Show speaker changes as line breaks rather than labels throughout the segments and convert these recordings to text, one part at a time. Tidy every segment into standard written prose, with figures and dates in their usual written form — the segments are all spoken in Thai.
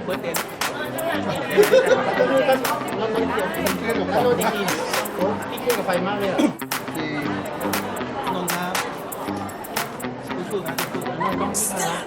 เบิร์ดเดย์
โลดีพี่เครียดกับไฟมากเลยอ่ะ
นนท์ครับสู้ๆนะสู้ๆนะต้องสู้นะ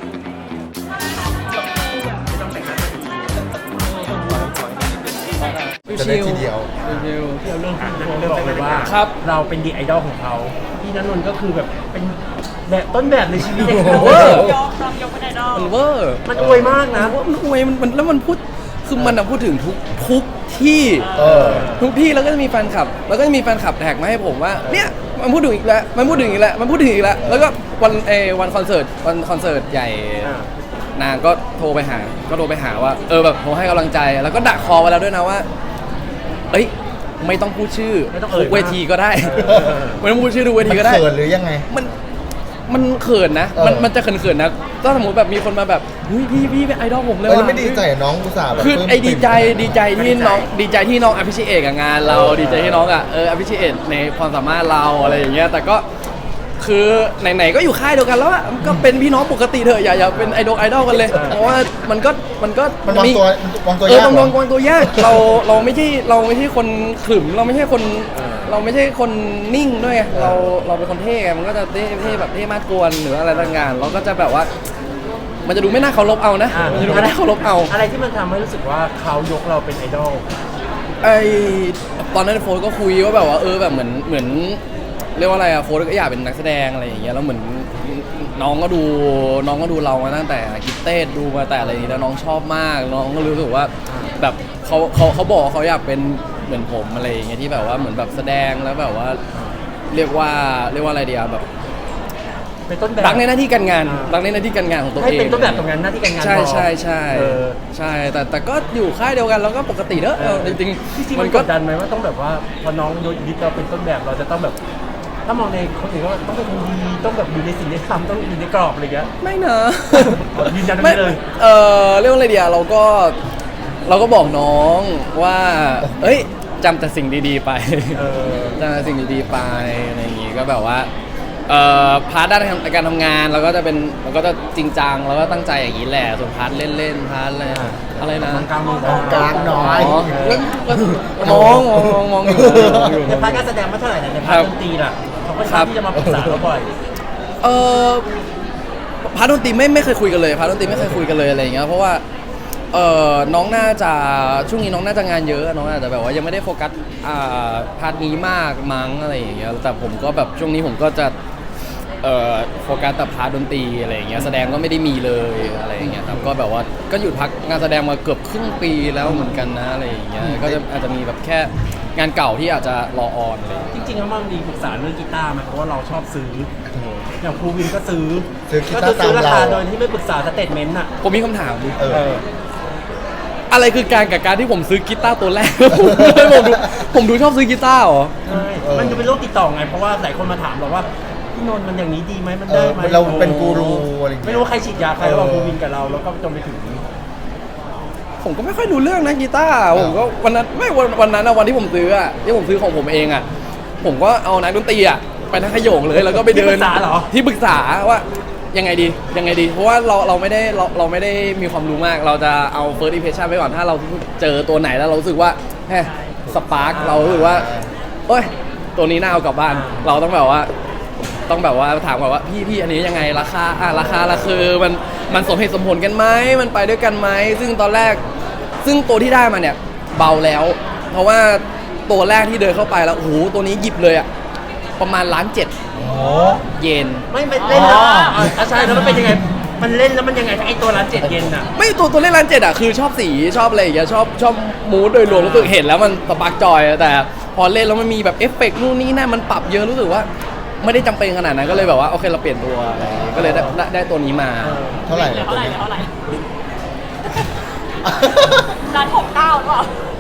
จะได้ทีเดียว
ที่เราเรื่องที่โฟบอกเลยว่า
ครับ
เราเป็นดีไอดอลของเขาพี่ณนนท์ก็คือแบบเป็นแบบต้นแบบในชีวิตเลย
เวอร์
ยกต้องยกเป็นไอดอล
มันเวอร์
มันอวยมากนะ
มันอวยมันแล้วมันพูดคือมันอะพูดถึงทุกที่
เออ
ทุกที่แล้วก็จะมีแฟนคลับ แล้วก็จะมีแฟนคลับแท็กมาให้ผมว่าเนี่ยมันพูดถึงอีกแล้วมันพูดถึงอีกแล้วมันพูดถึงอีกแล้วแล้วก็วันคอนเสิร์ตใหญ่
อ่า
นางก็โทรไปหาว่าแบบโทรให้กำลังใจแล้วก็ดักคอไว้แล้วด้วยนะว่าเอ้ยไม่ต้องพูดชื่อ
ไม่ต้องเอ่ย
ทุกเวทีก็ได้ ไม่ต้องพูดชื่อทุกเวทีก็ได้
มันเขินหรือยังไง
มันเขินนะ
เออ
มันจะเขินๆนะถ้าสมมติแบบมีคนมาแบบเฮ้ยพี่เป็นไอดอลผมเลย
เออแล้ว
ว่ะ
ไม่ดีใจอะน้องอุตส่าห์แบบ
คือ
ปลื้ม
ไอดีใจที่น้องอภิชิเอกกับงานเราดีใจที่น้องอภิชิเอกในความสามารถเราอะไรอย่างเงี้ยแต่ก็คือไหนๆก็อยู่ค่ายเดียวกันแล้วอะก็เป็นพี่น้องปกติเถอะอย่าเป็นไอดอลกันเลย เพราะว่ามันก็
มันวางตัวยาก
ต้องวางตัวยากเราไม่ใช่คนขรึมเราไม่ใช่คนนิ่งด้วยไงเราเป็นคนเท่ไงมันก็จะเท่แบบเท่มากกวนหรืออะไรต่างๆเราก็จะแบบว่า มันจะดูไม่น่าเคารพเอานะมันจะดูไม่น่าเคารพเอา
อะไรที่มันทำให้รู้สึกว่าเขายกเราเป็นไอดอล
ไอตอนนั้นโฟนก็คุยว่าแบบว่าแบบเหมือนเรียกว่าอะไรอะโฟนก็อยากเป็นนักแสดงอะไรอย่างเงี้ยแล้วเหมือนน้องก็ดูเรามาตั้งแต่กิฟเต้ดูมาแต่อะไรอย่างเงี้ยแล้วน้องชอบมากน้องก็รู้สึกว่าแบบเขาบอกว่าเขาอยากเป็นเหมือนผมอะไรอย่างเงี้ยที่แบบว่าเหมือนแบบแสดงแล้วแบบว่าเรียกว่าอะไรเดียวแบบ
เป็นต้นแบบ
รักในหน้าที่การงานของตัวเอง
ให้เป็นต้นแบบตรงนั้นหน้าที่การงาน
ใช่
พอ
ใช่
เออ
ใช่แต่ก็อยู่ค่ายเดียวกันแล้วก็ปกติเนอะจริง
จริง
ๆ
ๆมันกดดันไหมว่าต้องแบบว่าพอน้องยึดเราเป็นต้นแบบเราจะต้องแบบ ถ้ามองในคนอื่นก็ต้องเป็นคนดีต้องแบบอยู่ในสิ่งที่ทำต้องอยู่ในกรอบอะไรอย่างเงี้ย
ไม่นะ
ยืนยันไม่เลย
เรียกว่าอะไรเดียวเราก็บอกน้องว่าเอ้ยจำแต่สิ่งดีๆไป จำแต่สิ่งดีๆไปอะไรอย่างงี้ก็แบบว่าพาร์ทด้านการทำงานเราก็จะจริงจังแล้วก็ตั้งใจอย่างนี้แหละส่วนพาร์ทเล่นพาร์ทอะไรนะ
กลาง
กลางน้อย
มองอยู่
ในพาร์ทการแสดงไม่เท่าไหร่แต่ในพาร์ทดนตรีล่ะเขาก็ชอบที่จะมาปรึกษาเราบ่อย
พาร์ทดนตรีไม่เคยคุยกันเลยพาร์ทดนตรีไม่เคยคุยกันเลยอะไรอย่างเงี้ยเพราะว่าน้องน่าจะช่วงนี้น้องน่าจะงานเยอะน้องอาจจะแบบว่ายังไม่ได้โฟกัสพาร์ทนี้มากมั้งอะไรอย่างเงี้ยแต่ผมก็แบบช่วงนี้ผมก็จะโฟกัสแต่พาร์ทดนตรีอะไรอย่างเงี้ยแสดงก็ไม่ได้มีเลยอะไรอย่างเงี้ยครับก็แบบว่าก็หยุดพักงานแสดงมาเกือบครึ่งปีแล้วเหมือนกันนะอะไรอย่างเงี้ยก็จะอาจจะมีแบบแค่งานเก่าที่อาจจะรอออนอะไรอย่างเงี้ย
จริงๆแล้วมันมีปรึกษาเรื่องกีตาร์ไหมเพราะว่าเราชอบซื้ออย่างครูวินก็ซื้อ
กี
ก็
ตา
คือ
ร์
ซื้อรา
ตาม
คา
เรา
โดยที่ไม่ปรึกษาสเตทเมนต์อ่ะ
ผมมีคำถามดิ
เออ
อะไรคือการที่ผมซื้อกีตาร์ตัวแรก ผมดูชอบซื้อกีตาร์เหรอ
ใช่มันจะเป็นโรคติดต่อไงเพราะว่าหลายคนมาถามเราว่าพี่นนท์มันอย่างนี้ดีไหมมันได้ไหม
เราเป็นกูรูอะไรอย่างเงี้ย
ไม่รู้ว่าใครฉีดยาใครระหว่างครูวินกับเราแล้วก็จนไปถึง
ผมก็ไม่ค่อยรู้เรื่องนะกีตาร์ผมก็วันนั้นอะวันที่ผมซื้ออะที่ผมซื้อของผมเองอะผมก็เอานักดนตรีอะไปทั้งขโยงเลยแล้วก็ไปเดิน
ที่ปรึกษาเหรอ
ที่ปรึกษาว่ายังไงดีเพราะว่าเราไม่ได้มีความรู้มากเราจะเอา first impression ไว้ก่อนถ้าเราเจอตัวไหนแล้วเรารู้สึกว่าแฮสปาร์คเรารู้สึกว่าเอ้ยตัวนี้น่าเอากลับบ้านเราต้องแบบว่าถามก่อนว่าพี่อันนี้ยังไงราคาคือมันสมเหตุสมผลกันไหมมันไปด้วยกันไหมซึ่งตอนแรกตัวที่ได้มาเนี่ยเบาแล้ว เพราะว่าตัวแรกที่เดินเข้าไปแล้วโอ้โหตัวนี้หยิบเลยอะประมาณ1.7 ล้านเยน
ไม่เล่นแล้วใช่แล้วมันเป็นยังไงมันเล่นแล้วมันยังไงไอตัวร้าน7 เยนอ่ะ
ไม่ตัวเล่น1.7 ล้านอะคือชอบสีชอบอะไรอย่างเงี้ยชอบมูดโดยรวมรู้สึกเห็นแล้วมันสปาร์กจอยแต่พอเล่นแล้วมันมีแบบเอฟเฟกต์นู่นนี่นั่นมันปรับเยอะรู้สึกว่าไม่ได้จำเป็นขนาดนั้นก็เลยแบบว่าโอเคเราเปลี่ยนตัวก็เลยได้ตัวนี้มา
เท่าไหร่
เหลือ
ตัว
เท่าไหร่
นี้
1.69 หรือเปล่า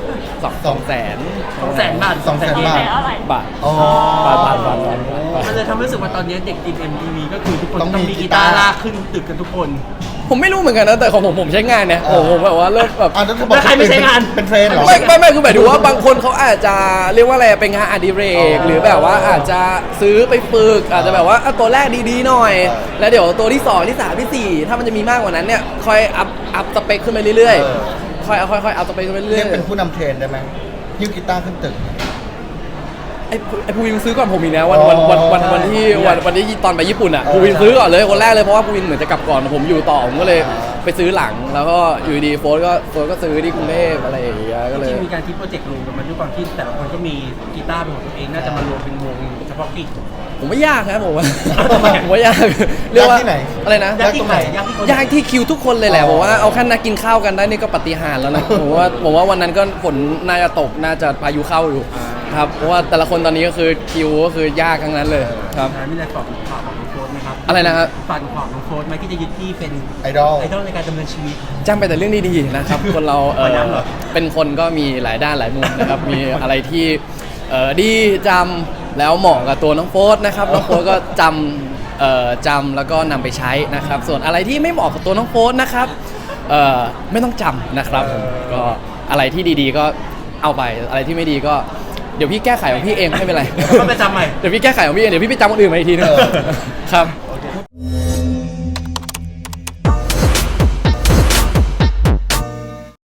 200,000
200,000 บาท
200,000 บาท
บาท
อ๋อ
บาท
มันเลยทำให้รู้สึกว่าตอนนี้เด็กทีม MTV ก็คือทุกคน
ต้
ต้
อ
อง ง
มี
มี
กี
กี
ตา
ตา
ร์
ร์ลากขึ้นตึกกันทุกคน
ผมไม่รู้เหมือนกันนะแต่ของผมใช้งานเนี่ยผมแบบว่าเริ่มแบบ
อ่ะแล้วถ้าบอก
แล้วใครไม่ใช้งาน
เป็นเทรนด์เหรอ
ไม่คือหมายถึงว่าบางคนเขาอาจจะเรียกว่าอะไรเป็นงานอดิเรกหรือแบบว่าอาจจะซื้อไปฝึกอาจจะแบบว่าตัวแรกดีๆหน่อย แล้วเดี๋ยวตัวที่2ที่3ที่4ถ้ามันจะมีมากกว่านั้นเนี่ยค่อยอัพสเปคขึ้นไปเรื่อยๆค่อยอัพสเปคขึ้นไป
เรี
เรื่
ย
อก ย
เป็นผู้นำเทรนด์ได้ไหมฮิ้วกีตาร์ขึ้นตึก
ไอ้ภูวินซื้อก่อนผมอีกนะวันที่ตอนไปญี่ปุ่นอ่ะภูวินซื้อก่อนเลยคนแรกเลยเพราะว่าภูวินเหมือนจะกลับก่อนผมอยู่ต่อผมก็เลยไปซื้อหลังแล้วก็อยู่ดีโฟร์ก็ซื้อที่กรุงเทพอะไรอย่างเงี้ยก็เล
จ
ย
ริงๆมีการคิดโปรเจกต์รวมกันมาด้วยความที่แต่ละคนก็มีกีตาร์เป็นของตัวเองน่าจะมารวมเป็นวงเฉพาะกิจ
ผมว่ายากนะผมว่า
ทำไม
ผมว่ายากเรียกว่าย
ากที่ไหน
อะไรนะ
ยากที่ไหนยากที่คน
ยากที่คิวทุกคนเลยแหละ
อ๋อ
ผมว่าเอาแค่นักกินข้าวกันได้นี่ก็ปาฏิหาริย์แล้วนะ ผมว่าวันนั้นก็ฝนน่าจะตกน่าจะพายุเข้าอยู่ครับเพราะว่าแต่ละคนตอนนี้ก็คือคิวก็คือยากทั้งนั้นเลยครับ
มีอะไรฝากข่าวของน้องโฟร์ไหมครับ
อะไรนะครับ
ฝากข่าวน้องโฟร์ไหมที่จะยึดที่เป็น
ไอดอล
ไอดอลในการดำเนินชีวิต
จำไปแต่เรื่องดีๆนะครับ คนเรา
วันนั้นเหรอ
เป็นคนก็มีหลายด้านหลายมุมนะครับ มีอะไรที่ดีจำแล้วเหมาะกับตัวน้องโฟร์นะครับน้องโฟร์ก็จำแล้วก็นำไปใช้นะครับ ส่วนอะไรที่ไม่เหมาะกับตัวน้องโฟร์นะครับไม่ต้องจำนะครับก็อะไรที่ดีๆก็เอาไปอะไรที่ไม่ดีก็เดี๋ยวพี่แก้ไขของพี่เองไม่เป็นไร
ก็ไปจำใหม่
เดี๋ยวพี่แก้ไขของพี่เองเดี๋ยวพี่ไปจำคนอื่นมาอีกทีนึง
เออ
ครับ